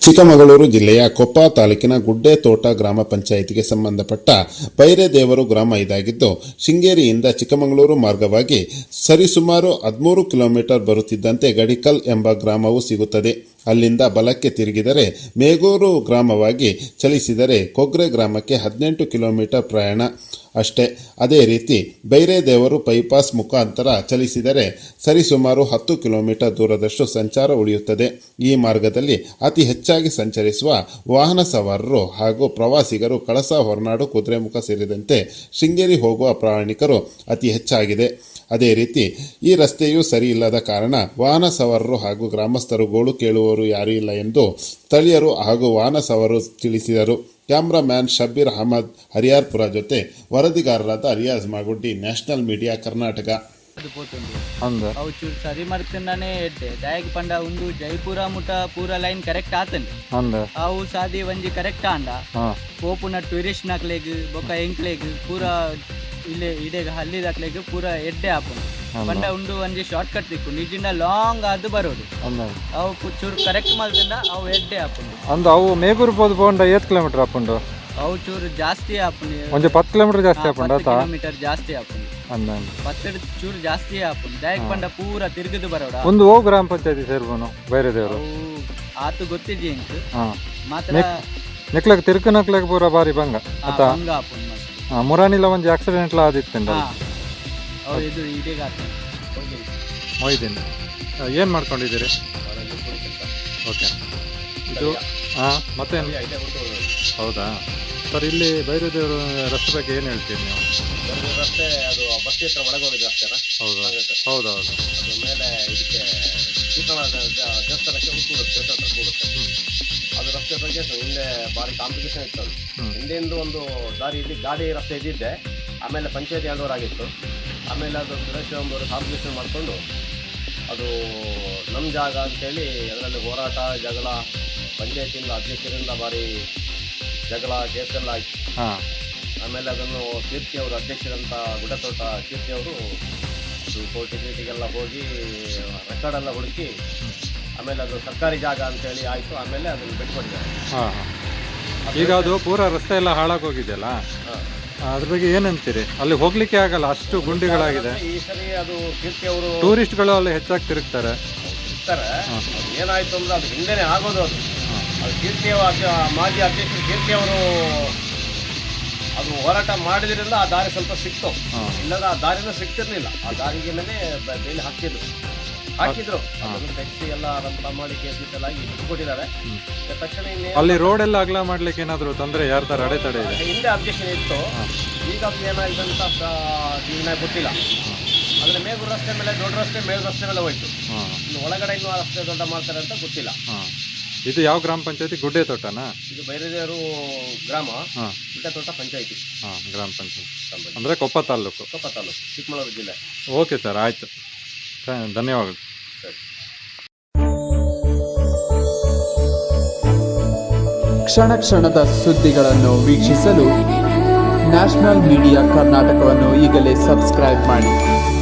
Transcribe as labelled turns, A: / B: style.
A: ಚಿಕ್ಕಮಗಳೂರು ಜಿಲ್ಲೆಯ ಕೊಪ್ಪ ತಾಲೂಕಿನ ಗುಡ್ಡೆತೋಟ ಗ್ರಾಮ ಪಂಚಾಯಿತಿಗೆ ಸಂಬಂಧಪಟ್ಟ ಬೈರೇದೇವರು ಗ್ರಾಮ ಇದಾಗಿದ್ದು, ಶೃಂಗೇರಿಯಿಂದ ಚಿಕ್ಕಮಗಳೂರು ಮಾರ್ಗವಾಗಿ ಸರಿಸುಮಾರು 13 ಕಿಲೋಮೀಟರ್ ಬರುತ್ತಿದ್ದಂತೆ ಗಡಿಕಲ್ ಎಂಬ ಗ್ರಾಮವು ಸಿಗುತ್ತದೆ. ಅಲ್ಲಿಂದ ಬಲಕ್ಕೆ ತಿರುಗಿದರೆ ಮೇಗೂರು ಗ್ರಾಮವಾಗಿ ಚಲಿಸಿದರೆ ಕೊಗ್ರೆ ಗ್ರಾಮಕ್ಕೆ 18 ಕಿಲೋಮೀಟರ್ ಪ್ರಯಾಣ ಅಷ್ಟೇ. ಅದೇ ರೀತಿ ಬೈರೇದೇವರು ಬೈಪಾಸ್ ಮುಖಾಂತರ ಚಲಿಸಿದರೆ ಸರಿಸುಮಾರು 10 ಕಿಲೋಮೀಟರ್ ದೂರದಷ್ಟು ಸಂಚಾರ ಉಳಿಯುತ್ತದೆ. ಈ ಮಾರ್ಗದಲ್ಲಿ ಅತಿ ಹೆಚ್ಚಾಗಿ ಸಂಚರಿಸುವ ವಾಹನ ಸವಾರರು ಹಾಗೂ ಪ್ರವಾಸಿಗರು ಕಳಸ, ಹೊರನಾಡು, ಕುದುರೆಮುಖ ಸೇರಿದಂತೆ ಶೃಂಗೇರಿ ಹೋಗುವ ಪ್ರಯಾಣಿಕರು ಅತಿ ಹೆಚ್ಚಾಗಿದೆ. ಅದೇ ರೀತಿ ಈ ರಸ್ತೆಯೂ ಸರಿ ಇಲ್ಲದ ಕಾರಣ ವಾಹನ ಸವಾರರು ಹಾಗೂ ಗ್ರಾಮಸ್ಥರು ಗೋಳು ಕೇಳುವವರು ಯಾರೂ ಇಲ್ಲ ಎಂದು ಸ್ಥಳೀಯರು ಹಾಗೂ ವಾಹನ ಸವಾರರು ತಿಳಿಸಿದರು. ಕ್ಯಾಮ್ರಾಮ್ಯಾನ್ ಶಬೀರ್ ಅಹಮದ್ ಹರಿಯಾರ್ಪುರ ಜೊತೆ ವರದಿಗಾರರಾದ ರಿಯಾಜ್ ಮಾಗುಡ್ಡಿ, ನ್ಯಾಷನಲ್ ಮೀಡಿಯಾ, ಕರ್ನಾಟಕ.
B: ಚೂರು ಸರಿ ಮಾಡ್ತಾನೆ ದಯಗ್ ಪಂಡ ಒಂದು ಜೈಪುರ ಮುಟ ಪೂರ ಲೈನ್ ಕರೆಕ್ಟ್ ಆತಂడి ಅವು ಸಾದಿ ಒಂಜಿ ಕರೆಕ್ಟ್ ಆಂಡ ಪೋಪುನ ಟೂರಿಸ್ಟ್ ನಕ್ಲೆಗ್ ಬೊಕ ಎಂಕ್ಲೆಗ್ ಪೂರ ಇಲ್ಲೇ ಇಡೆಗ ಹಲ್ಲಿದಾಕ್ಲೆಗ್ ಪೂರ ಎಡ್ಡೆ ಆಪುಂಡು ಪಂಡ ಉಂಡು ಒಂಜಿ ಶಾರ್ಟ್ ಕಟ್ ತಿಕ್ಕು ನಿಜಿಂದ ಲಾಂಗ್ ಅದು ಬರೋಡು ಅವು ಚೂರು ಕರೆಕ್ಟ್ ಮಲ್ದಿಂದ ಅವು ಎಡ್ಡೆ ಆಪುಂಡು
C: ಅಂದು ಅವು ಮೇಗೂರು ಬೋದು ಬೋಂಡ 8 ಕಿಲೋಮೀಟರ್ ಆಪುಂಡು
B: ಅವು ಚೂರು ಜಾಸ್ತಿ ಆಪುಂಡು
C: ಒಂಜಿ 10 ಕಿಲೋಮೀಟರ್ ಜಾಸ್ತಿ ಆಪುಂಡು
B: 10 ಕಿಲೋಮೀಟರ್ ಜಾಸ್ತಿ ಆಪುಂಡು
C: ಅಂದಂಗ
B: 10 ಚೂರು ಜಾಸ್ತಿ ಆಪುಂಡು ದಯಕ್ ಪಂಡ ಪೂರ ತಿರುಗದು ಬರೋಡ
C: ಒಂದು ಓ ಗ್ರಾಮ ಪಂಚಾಯತಿ ಸೇರ್ಬೋನು ಬೈರೇದೇವರು
B: ಆತು ಗೊತ್ತಿದ್ದಿ ಇಂಕ್ ಮಾತ್ರ
C: ನೆಕ್ಲಕ್ ತಿರುಕನಕ್ಲಕ್ ಪೂರ ಬಾರಿ ಬಂಗ ಅತ
B: ಹಂಗ ಆಪುಂಡು
C: ಮುರಾನಿಲ ಒಂಜಿ ಆಕ್ಸಿಡೆಂಟ್ ಲ ಆದಿತ್ತಂಡ
B: ಇದು ಇದೀಗ
C: ಮೊಯ್ದಿನ್ ಏನು ಮಾಡ್ಕೊಂಡಿದ್ದೀರಿ? ಓಕೆ, ಇದು ಮತ್ತೇನು? ಹೌದಾ ಸರ್, ಇಲ್ಲಿ ಬೈರೇದೇವರು ರಸ್ತೆ ಬಗ್ಗೆ ಏನು ಹೇಳ್ತೀರಿ ನೀವು?
D: ರಸ್ತೆ ಅದು ಬಸ್ತಿ ಹತ್ರ ಒಳಗೆ ಹೋಗಿದ್ದು ಅಷ್ಟೇನಾ?
C: ಹೌದೌದು.
D: ಅದ್ರ ಮೇಲೆ ಇದಕ್ಕೆ ದೇವಸ್ಥಾನಕ್ಕೆ ಕೂಡುತ್ತೆ, ದೇವಸ್ಥಾನ ಹತ್ರ ಕೂಡುತ್ತೆ. ಅದು ರಸ್ತೆ ಬಗ್ಗೆ ಹಿಂದೆ ಭಾರಿ ಕಾಂಪಿಟೇಷನ್ ಇತ್ತು. ಅದು ಹಿಂದೆಂದು ಒಂದು ದಾರಿ ಇಲ್ಲಿ ಗಾಡಿ ರಸ್ತೆ ಇದ್ದಿದ್ದೆ, ಆಮೇಲೆ ಪಂಚಾಯತಿ ಆಗಿತ್ತು. ಆಮೇಲೆ ಅದು ಸುರೇಶ್ ಅವರು ಕಾಂಪಿಟೇಷನ್ ಮಾಡಿಕೊಂಡು ಅದು ನಮ್ಮ ಜಾಗ ಅಂತೇಳಿ ಅದರಲ್ಲಿ ಹೋರಾಟ, ಜಗಳ, ಪಂಚಾಯತಿಯಿಂದ ಅಧ್ಯಕ್ಷರಿಂದ ಭಾರಿ ಜಗಳ, ಕೇಸೆಲ್ಲ ಆಯಿತು. ಆಮೇಲೆ ಅದನ್ನು ಕೀರ್ತಿ ಅವರು ಅಧ್ಯಕ್ಷರಂತ ಗುಡ್ಡೆತೋಟ ಕೀರ್ತಿ ಅವರು ಅದು ಕೋರ್ಟಿಗೆಲ್ಲ ಹೋಗಿ ರೆಕಾರ್ಡೆಲ್ಲ ಹುಡುಕಿ ಆಮೇಲೆ ಅದು ಸರ್ಕಾರಿ ಜಾಗ ಅಂತೇಳಿ ಆಯಿತು. ಆಮೇಲೆ ಅದನ್ನು ಬಿಟ್ಕೊಟ್ಟಿದ್ದಾರೆ.
C: ಈಗ ಅದು ಪೂರ ರಸ್ತೆ ಎಲ್ಲ ಹಾಳಾಗೋಗಿದೆಯಲ್ಲ, ಅದ್ರ ಬಗ್ಗೆ ಏನಂತೀರಿ? ಅಲ್ಲಿ ಹೋಗ್ಲಿಕ್ಕೆ ಆಗಲ್ಲ, ಅಷ್ಟು ಗುಂಡಿಗಳಾಗಿದೆ.
D: ಈ ಸರಿ ಅದು ಕೀರ್ತಿ ಅವರು
C: ಟೂರಿಸ್ಟ್ಗಳು ಅಲ್ಲಿ ಹೆಚ್ಚಾಗಿ ತಿರುಗ್ತಾರೆ.
D: ಏನಾಯ್ತು ಅಂದ್ರೆ ಅದು ಹಿಂದೆನೇ ಆಗೋದು. ಅದು ಕೀರ್ತಿ ಮಾಜಿ ಅಧ್ಯಕ್ಷರು ಕೀರ್ತಿ ಅವರು ಅದು ಹೋರಾಟ ಮಾಡಿದ್ರಿಂದ ಆ ದಾರಿ ಸ್ವಲ್ಪ ಸಿಕ್ತು. ಇಲ್ಲದ ಆ ದಾರಿನೂ ಸಿಕ್ತಿರ್ಲಿಲ್ಲ. ಆ ದಾರಿಗೆ ಬೇಲಿ ಹಾಕಿದ್ರು ಟ್ಯಾಕ್ಸಿ ಎಲ್ಲ ರಂಪ ಮಾಡಿ ಕೇಸ್ ಎಲ್ಲ ಬಿಟ್ಟುಕೊಟ್ಟಿದ್ದಾರೆ. ತಕ್ಷಣ
C: ಅಲ್ಲಿ ರೋಡ್ ಎಲ್ಲ ಅಗಲ ಮಾಡ್ಲಿಕ್ಕೆ ಏನಾದ್ರು ತೊಂದರೆ ಯಾರ ತರ ಅಡೆತಡೆ ಇದೆ?
D: ಹಿಂದೆ ಅಬ್ಜೆಕ್ಷನ್ ಇತ್ತು, ಈಗ ಅದು ಏನಾಗಿದೆ ಅಂತ ಈಗ ಗೊತ್ತಿಲ್ಲ. ಅಂದ್ರೆ ಮೇಗೂರು ರಸ್ತೆ ಮೇಲೆ ದೊಡ್ಡ ರಸ್ತೆ, ಮೇಲ್ ರಸ್ತೆ ಮೇಲೆ ಹೋಯ್ತು. ಇನ್ನು ಒಳಗಡೆ ಇನ್ನೂ ರಸ್ತೆ ದೊಡ್ಡ ಮಾಡ್ತಾರೆ ಅಂತ ಗೊತ್ತಿಲ್ಲ.
C: ಇದು ಯಾವ ಗ್ರಾಮ ಪಂಚಾಯತಿ? ಗುಡ್ಡೆತೋಟನಾ?
D: ಇದು ಬೈರೇದೇವರು ಗ್ರಾಮ, ಗುಡ್ಡೆತೋಟ ಪಂಚಾಯತಿ,
C: ಗ್ರಾಮ ಪಂಚಾಯತಿ ಅಂದ್ರೆ ಕೊಪ್ಪ ತಾಲೂಕು,
D: ಚಿಕ್ಕಮಗಳೂರು ಜಿಲ್ಲೆ.
C: ಓಕೆ ಸರ್, ಆಯ್ತು, ಧನ್ಯವಾದಗಳು.
E: ಕ್ಷಣ ಕ್ಷಣದ ಸುದ್ದಿಗಳನ್ನು ವೀಕ್ಷಿಸಲು ನ್ಯಾಷನಲ್ ಮೀಡಿಯಾ ಕರ್ನಾಟಕವನ್ನು ಈಗಲೇ ಸಬ್ಸ್ಕ್ರೈಬ್ ಮಾಡಿ.